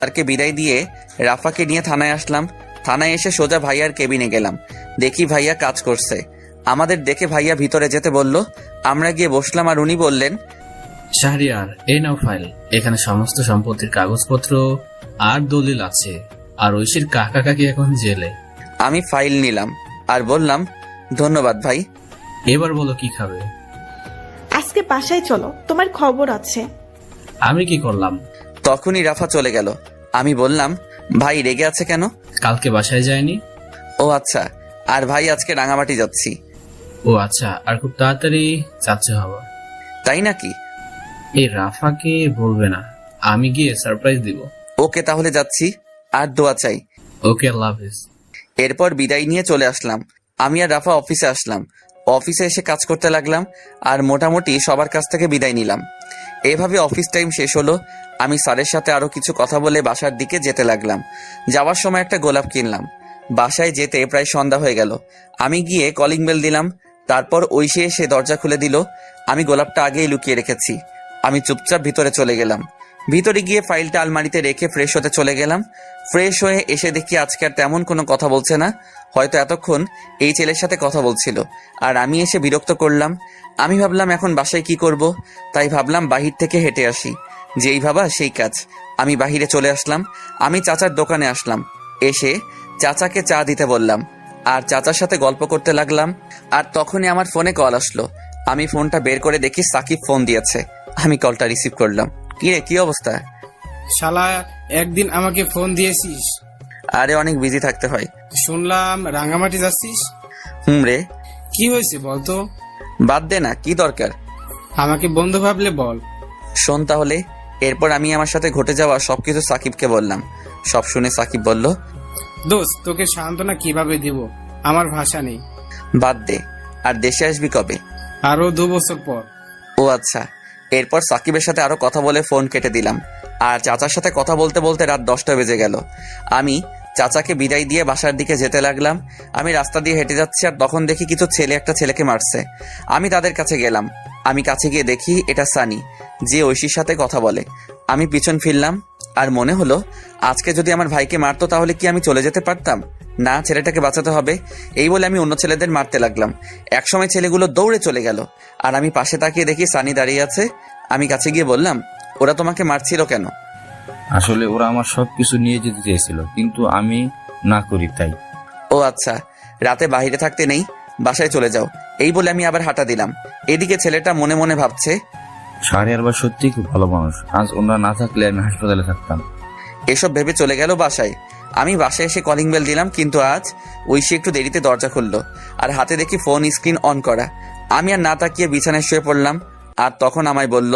স্যারকে বিদায় দিয়ে রাফাকে নিয়ে থানায় আসলাম। থানায় এসে সোজা ভাইয়ার কেবিনে গেলাম। দেখি ভাইয়া কাজ করছে। আমাদের দেখে ভাইয়া ভিতরে যেতে বলল। আমরা গিয়ে বসলাম আর উনি বললেন, শাহরিয়ার, এই নাও ফাইল। এখানে সমস্ত সম্পত্তির কাগজপত্র আর দলিল আছে। আর ঐশীর কাকা কাকি এখন জেলে। আমি ফাইল নিলাম আর বললাম, ধন্যবাদ ভাই। এবার বলো কি খাবে? আজকে বাসায় চলো, তোমার খবর আছে। আমি কি করলাম? তখনই রাফা চলে গেল। আমি বললাম, ভাই রেগে আছে কেন? কালকে বাসায় যায়নি? ও আচ্ছা। আর ভাই আজকে রাঙামাটি যাচ্ছি। ও আচ্ছা, আর খুব তাড়াতাড়ি যাচ্ছে হওয়া। তাই নাকি? এই রাফাকে বলবে না, আমি গিয়ে সারপ্রাইজ দিব। ওকে তাহলে যাচ্ছি। আর দোয়া চাই। ওকে, আল্লাহ হাফেজ। এরপর বিদায় নিয়ে চলে আসলাম। আমি আর রাফা অফিসে আসলাম। অফিসে এসে কাজ করতে লাগলাম আর মোটামুটি সবার কাছ থেকে বিদায় নিলাম। এভাবে অফিস টাইম শেষ হলো। আমি স্যারের সাথে আরো কিছু কথা বলে বাসার দিকে যেতে লাগলাম। যাওয়ার সময় একটা গোলাপ কিনলাম। বাসায় যেতে প্রায় সন্ধ্যা হয়ে গেল। আমি গিয়ে কলিং বেল দিলাম। তারপর ঐশী এসে দরজা খুলে দিল। আমি গোলাপটা আগেই লুকিয়ে রেখেছি। আমি চুপচাপ ভিতরে চলে গেলাম। ভিতরে গিয়ে ফাইলটা আলমারিতে রেখে ফ্রেশ হতে চলে গেলাম। ফ্রেশ হয়ে এসে দেখি আজকে আর তেমন কোনো কথা বলছে না। হয়তো এতক্ষণ এই ছেলের সাথে কথা বলছিল আর আমি এসে বিরক্ত করলাম। আমি ভাবলাম এখন বাসায় কি করব, তাই ভাবলাম বাহির থেকে হেঁটে আসি। যেই ভাবা সেই কাজ। আমি বাহিরে চলে আসলাম। আমি চাচার দোকানে আসলাম। এসে চাচাকে চা দিতে বললাম আর চাচার সাথে গল্প করতে লাগলাম। আর তখনই আমার ফোনে কল আসলো। আমি ফোনটা বের করে দেখি সাকিব ফোন দিয়েছে। আমি কলটা রিসিভ করলাম। কি রে, কি অবস্থা? শালা, একদিন আমাকে ফোন দিয়েছিস? আরে অনেক বিজি থাকতে হয়। শুনলাম রাঙামাটি যাচ্ছিস। রে, কি হয়েছে বলতো? বাদ দে না, কি দরকার? আমাকে বন্ধু ভাবলে বল। শোন তাহলে। এরপর আমি আমার সাথে ঘটে যাওয়া সবকিছু সাকিবকে বললাম। সব শুনে সাকিব বলল, দোস্ত, তোকে সান্ত্বনা কিভাবে দিব, আমার ভাষা নেই। বাদ দে। আর দেশে আসবি কবে? আরো 2 বছর পর। ও আচ্ছা। এরপর সাকিবের সাথে আরো কথা বলে ফোন কেটে দিলাম। আর চাচার সাথে কথা বলতে বলতে রাত 10টা বেজে গেল। আমি চাচাকে বিদায় দিয়ে বাসার দিকে যেতে লাগলাম। আমি রাস্তা দিয়ে হেঁটে যাচ্ছি আর তখন দেখি কিছু ছেলে একটা ছেলেকে মারছে। আমি তাদের কাছে গেলাম। আমি কাছে গিয়ে দেখি এটা সানি, যে ঐশীর সাথে কথা বলে। আমি পিছন ফিরলাম আর মনে হলো আজকে যদি আমার ভাইকে মারতো তাহলে কি আমি চলে যেতে পারতাম? না, ছেলেটাকে বাঁচাতে হবে। এই বলে আমি অন্য ছেলেদের মারতে লাগলাম। একসময় ছেলেগুলো দৌড়ে চলে গেল আর আমি পাশে তাকিয়ে দেখি সানি দাঁড়িয়ে আছে। আমি কাছে গিয়ে বললাম, ওরা তোমাকে মারছিল কেন? আসলে ওরা আমার সবকিছু নিয়ে যেতে চেয়েছিল, কিন্তু আমি না করি তাই। ও আচ্ছা, রাতে বাইরে থাকতে নেই, বাসায় চলে যাও। এই বলে আমি আবার হাঁটা দিলাম। এদিকে ছেলেটা মনে মনে ভাবছে, শাহরিয়ার বা সত্যি খুব ভালো মানুষ, আজ ওনারা না থাকলে আমি হাসপাতালে থাকতাম। এসব ভেবে চলে গেল বাসায়। আমি বাসায় এসে কলিং বেল দিলাম, কিন্তু আজ ঐশী একটু দেরিতে দরজা খুললো আর হাতে দেখি ফোন স্ক্রিন অন করা। আমি আর না তাকিয়ে বিছানায় শুয়ে পড়লাম। আর তখন আমায় বলল,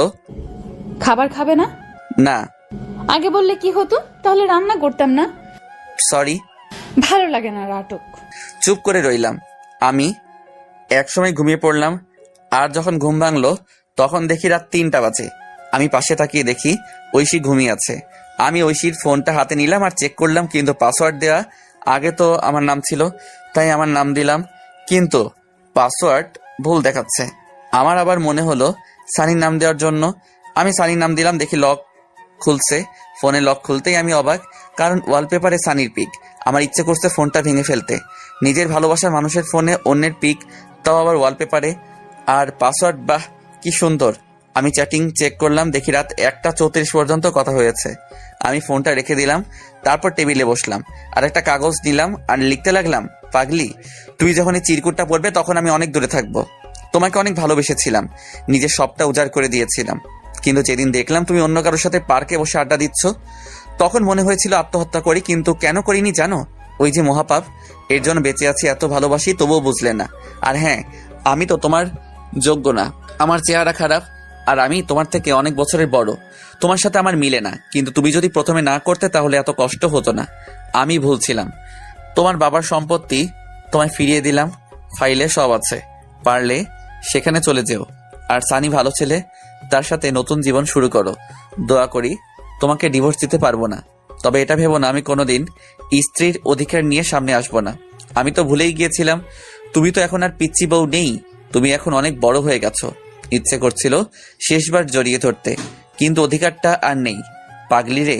খাবার খাবে না? না। আগে বললে কি হতো, তাহলে রান্না করতাম না। সরি। ভালো লাগে না নাটক। চুপ করে রইলাম। আমি একসময় ঘুমিয়ে পড়লাম। আর যখন ঘুম ভাঙলো তখন দেখি রাত 3টা বাজে। আমি পাশে তাকিয়ে দেখি ঐশী ঘুমিয়ে আছে। আমি ঐশীর ফোনটা হাতে নিলাম আর চেক করলাম, কিন্তু পাসওয়ার্ড দেওয়া আগে তো আমার নাম ছিল, তাই আমার নাম দিলাম, কিন্তু পাসওয়ার্ড ভুল দেখাচ্ছে। আমার আবার মনে হলো সানির নাম দেওয়ার জন্য। আমি সানির নাম দিলাম, দেখি লক খুলছে। ফোনে লক খুলতেই আমি অবাক, কারণ ওয়ালপেপারে সানির পিক। আমার ইচ্ছে করছে ফোনটা ভেঙে ফেলতে। নিজের ভালোবাসার মানুষের ফোনে অন্যের পিক, তাও আবার ওয়ালপেপারে। আর পাসওয়ার্ড, বাহ কি সুন্দর। আমি চ্যাটিং চেক করলাম, দেখি রাত 1টা 34 পর্যন্ত কথা হয়েছে। আমি ফোনটা রেখে দিলাম। তারপর টেবিলে বসলাম আর একটা কাগজ নিলাম আর লিখতে লাগলাম, পাগলি, তুই যখন এই চিরকুটটা পড়বে তখন আমি অনেক দূরে থাকবো। তোমাকে অনেক ভালোবেসেছিলাম, নিজের সবটা উজাড় করে দিয়েছিলাম, কিন্তু যেদিন দেখলাম তুমি অন্য কারোর সাথে পার্কে বসে আড্ডা দিচ্ছ, তখন মনে হয়েছিল আত্মহত্যা করি, কিন্তু কেন করিনি জানো? ওই যে মহাপাপ, এর জন্য বেঁচে আছি, এত ভালোবাসি তবুও বুঝলে না। আর হ্যাঁ, আমি তো তোমার যোগ্য না, আমার চেহারা খারাপ, আর আমি তোমার থেকে অনেক বছরের বড়, তোমার সাথে আমার মিলে না। কিন্তু তুমি যদি প্রথমে না করতে তাহলে এত কষ্ট হতো না। আমি ভুলছিলাম। তোমার বাবার সম্পত্তি তোমায় ফিরিয়ে দিলাম, ফাইলে সব আছে, পারলে সেখানে চলে যেও। আর সানি ভালো ছেলে, তার সাথে নতুন জীবন শুরু করো। দোয়া করি তোমাকে ডিভোর্স দিতে পারবো না, তবে এটা ভেবো না আমি কোনোদিন স্ত্রীর অধিকার নিয়ে সামনে আসবো না। আমি তো ভুলেই গিয়েছিলাম, তুমি তো এখন আর পিচ্চি বউ নেই, তুমি এখন অনেক বড় হয়ে গেছো। ইচ্ছে করছিল শেষবার জড়িয়ে ধরতে, কিন্তু অধিকারটা আর নেই। পাগলি রে,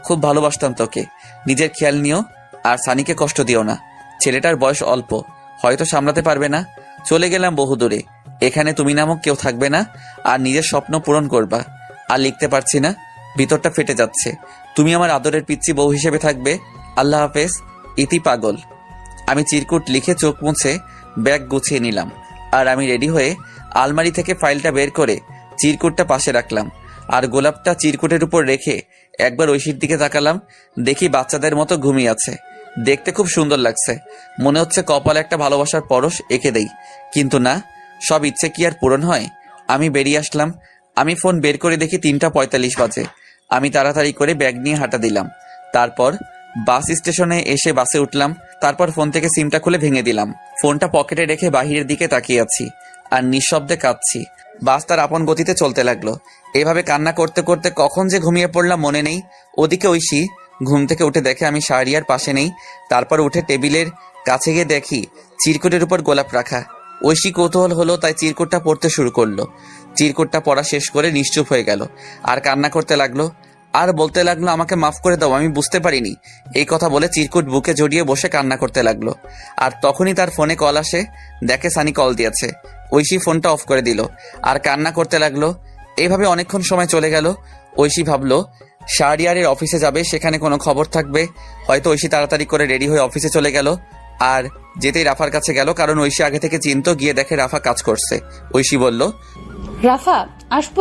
খুব ভালোবাসতাম তোকে। নিজের খেয়াল নিও, আর সানিকে কষ্ট দিও না। ছেলেটার বয়স অল্প, হয়তো সামলাতে পারবে না। চলে গেলাম বহুদূরে, এখানে তুমি নামক কেউ থাকবে না, আর নিজের স্বপ্ন পূরণ করবা। আর লিখতে পারছি না, ভিতরটা ফেটে যাচ্ছে। তুমি আমার আদরের পিচ্চি বউ হিসেবে থাকবে। আল্লাহ হাফেজ, ইতি পাগল। আমি চিরকুট লিখে চোখ মুছে ব্যাগ গুছিয়ে নিলাম, আর আমি রেডি হয়ে আলমারি থেকে ফাইলটা বের করে চিরকুটটা পাশে রাখলাম, আর গোলাপটা চিরকুটের উপর রেখে একবার ঐশীর দিকে তাকালাম। দেখি বাচ্চাদের মতো ঘুমিয়ে আছে। দেখতে খুব সুন্দর লাগছে, মনে হচ্ছে কপালে একটা ভালোবাসার পরশ এঁকে দেই। কিন্তু না, সব ইচ্ছে কি আর পূরণ হয়? আমি বেরিয়ে আসলাম। আমি ফোন বের করে দেখি 3:45 বাজে। আমি তাড়াতাড়ি করে ব্যাগ নিয়ে হাঁটা দিলাম। তারপর বাস স্টেশনে এসে বাসে উঠলাম। তারপর ফোন থেকে সিমটা খুলে ভেঙে দিলাম। ফোনটা পকেটে রেখে বাহিরের দিকে তাকিয়ে আছি আর নিঃশব্দে কাঁদছি। বাস তার আপন গতিতে চলতে লাগলো। এভাবে কান্না করতে করতে কখন যে ঘুমিয়ে পড়লাম মনে নেই। ওদিকে ঐশী ঘুম থেকে উঠে দেখে আমি শাহরিয়ার পাশে নেই। তারপর উঠে টেবিলের কাছে গিয়ে দেখি চিরকুটের উপর গোলাপ রাখা। ঐশী কৌতূহল হলো, তাই চিরকুটটা পড়তে শুরু করলো। চিরকুটটা পড়া শেষ করে নিশ্চুপ হয়ে গেল আর কান্না করতে লাগলো। আর বলতে লাগলো, আমাকে মাফ করে দাও, আমি বুঝতে পারিনি। এই কথা বলে চিরকুট বুকে জড়িয়ে বসে কান্না করতে লাগলো। আর তখনই তার ফোনে কল আসে। দেখে সানি কল দিয়েছে। ঐশী ফোনটা অফ করে দিল আর কান্না করতে লাগলো। এইভাবে অনেকক্ষণ সময় চলে গেল। ঐশী ভাবলো শাহরিয়ারের অফিসে যাবে, সেখানে কোনো খবর থাকবে। হয়তো ঐশী তাড়াতাড়ি করে রেডি হয়ে অফিসে চলে গেল। আর যেতেই রাফার কাছে গেল, কারণ ঐশী আগে থেকে চিনতো। গিয়ে দেখে রাফা কাজ করছে। ঐশী বলল, রাফা, আসবো?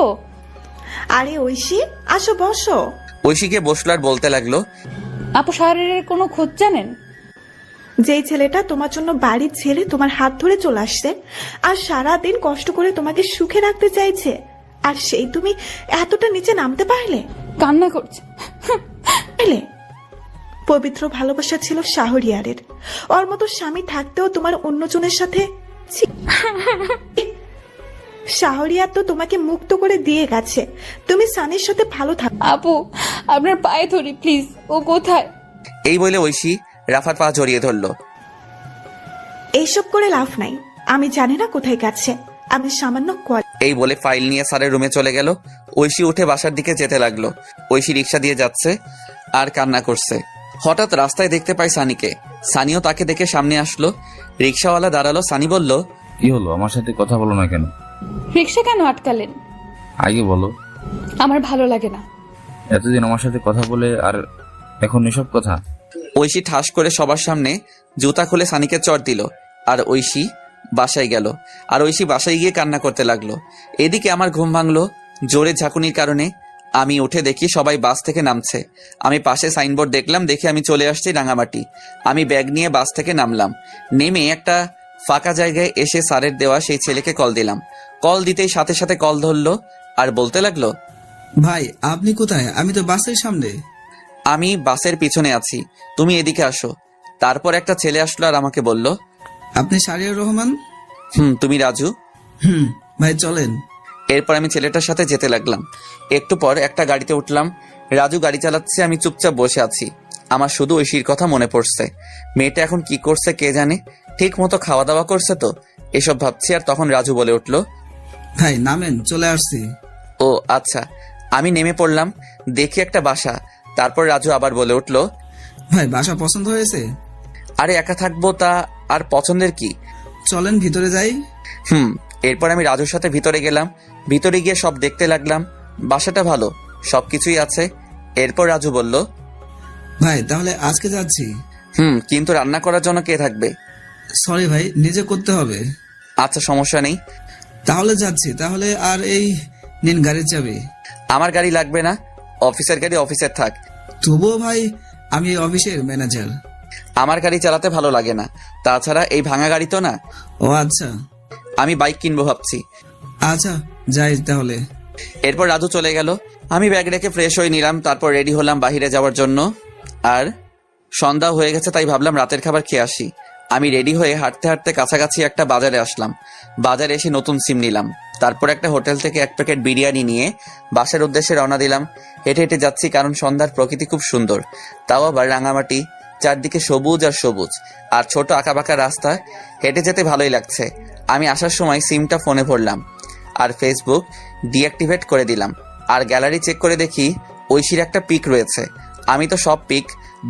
আরে ঐশী, আসো বসো। ঐশী গিয়ে বসলো আর বলতে লাগলো, আপু শাহরিয়ারের কোনো খোঁজ জানেন? যেই ছেলেটা তোমার জন্য বাড়ি ছেড়ে তোমার হাত ধরে চলে আসছে আর সারাদিন কষ্ট করে তোমাকে সুখে রাখতে চাইছে, আর সেই তুমি এতটা নিচে নামতে পারলে? কান্না করছে। পারলে? পবিত্র ভালোবাসা ছিল শাহরিয়ারের। ওর মতো স্বামী থাকতেও তোমার অন্যজনের সাথে ছি। শাহরিয়ার তো তোমাকে মুক্ত করে দিয়ে গেছে। তুমি সানির সাথে ভালো থাকো। আপু, আপনার পায়ে ধরি প্লিজ। ও কোথায়? এই বলে ঐশী রাফার পা জড়িয়ে ধরলো। এইসব করে লাভ নাই, আমি জানি না কোথায় গেছে। আমি সামান্য এই বলে ফাইল নিয়ে স্যারের রুমে চলে গেল। ঐশী উঠে বাসার দিকে যেতে লাগলো। ঐশী রিক্সা দিয়ে যাচ্ছে আর কান্না করছে। হঠাৎ রাস্তায় দেখতে পাই সানিকে। সানিও তাকে দেখে সামনে আসলো। রিক্সাওয়ালা দাঁড়ালো। সানি বলল, কি হলো, আমার সাথে কথা বলো না কেন? রিক্সা কেন আটকালেন? আগে বলো। আমার ভালো লাগে না। এতদিন আমার সাথে কথা বলে আর এখন এসব কথা? ঐশী ঠাস করে সবার সামনে জুতা খুলে সানিকে চড় দিল। আর ঐশী বাসায় গেল। আর ঐশী বাসায় গিয়ে কান্না করতে লাগলো। এদিকে আমার ঘুম ভাঙলো জোরে ঝাঁকুনির কারণে। আমি উঠে দেখি সবাই বাস থেকে নামছে। আমি পাশে সাইনবোর্ড দেখলাম, দেখে আমি চলে আসছি রাঙামাটি। আমি ব্যাগ নিয়ে বাস থেকে নামলাম। নেমে একটা ফাঁকা জায়গায় এসে স্যারের দেওয়া সেই ছেলেকে কল দিলাম। কল দিতেই সাথে সাথে কল ধরলো আর বলতে লাগলো, ভাই আপনি কোথায়? আমি তো বাসের সামনে। আমি বাসের পিছনে আছি, তুমি এদিকে আসো। তারপর একটা ছেলে আসলো আর আমাকে বলল, আপনি শাহরিয়ার রহমান? তুমি রাজু? ভাই চলেন। এরপর আমি ছেলেটার সাথে যেতে লাগলাম। একটু পর একটা গাড়িতে উঠলাম। রাজু গাড়ি চালাচ্ছে, আমি চুপচাপ বসে আছি। আমার শুধু ঐশীর কথা মনে পড়ছে। মেয়েটা এখন কি করছে কে জানে। ঠিক মতো খাওয়া দাওয়া করছে তো, এসব ভাবছি। আর তখন রাজু বলে উঠলো, ভাই নামেন, চলে আসছি। ও আচ্ছা। আমি নেমে পড়লাম। দেখি একটা বাসা। তারপর রাজু আবার বলে উঠলো, ভাই বাসা পছন্দ হয়েছে? আরে একা থাকবো তা আর পছন্দের কি। চলেন ভিতরে যাই। এরপর আমি রাজুর সাথে ভিতরে গেলাম। ভিতরে গিয়ে সব দেখতে লাগলাম। বাসাটা ভালো, সবকিছুই আছে। এরপর রাজু বলল, ভাই তাহলে আজকে যাচ্ছি। কিন্তু রান্না করার জন্য কে থাকবে? সরি ভাই, নিজে করতে হবে। আচ্ছা, সমস্যা নেই। তাহলে যাচ্ছি। তাহলে আর এই নিন গাড়ির চাবি। আমার গাড়ি লাগবে না, অফিসের গাড়ি অফিসের থাক। তবুও ভাই, আমি এই অফিসের ম্যানেজার। আমার গাড়ি চালাতে ভালো লাগে না। তাছাড়া এই ভাঙা গাড়ি তো না। ও আচ্ছা। আমি বাইক কিনবো ভাবছি। আচ্ছা যাই তাহলে। এরপর রাজু চলে গেল। আমি ব্যাগ রেখে ফ্রেশ হয়ে নিলাম। তারপর রেডি হলাম বাহিরে যাওয়ার জন্য। আর সন্ধ্যা হয়ে গেছে, তাই ভাবলাম রাতের খাবার খেয়ে আসি। আমি রেডি হয়ে হাঁটতে হাঁটতে কাছাকাছি একটা বাজারে আসলাম। বাজারে এসে নতুন সিম নিলাম। তারপর একটা হোটেল থেকে 1 প্যাকেট বিরিয়ানি নিয়ে বাসার উদ্দেশ্যে রওনা দিলাম। হেঁটে হেঁটে যাচ্ছি, কারণ সন্ধ্যার প্রকৃতি খুব সুন্দর। তাও আবার রাঙামাটি, চারদিকে সবুজ আর সবুজ, আর ছোট আঁকাবাঁকা রাস্তা। হেঁটে যেতে ভালোই লাগছে। আমি আসার সময় সিমটা ফোনে ভরলাম আর ফেসবুক ডিঅ্যাক্টিভেট করে দিলাম। আর গ্যালারি চেক করে দেখি ঐশীর একটা পিক রয়েছে। আমি তো সব পিক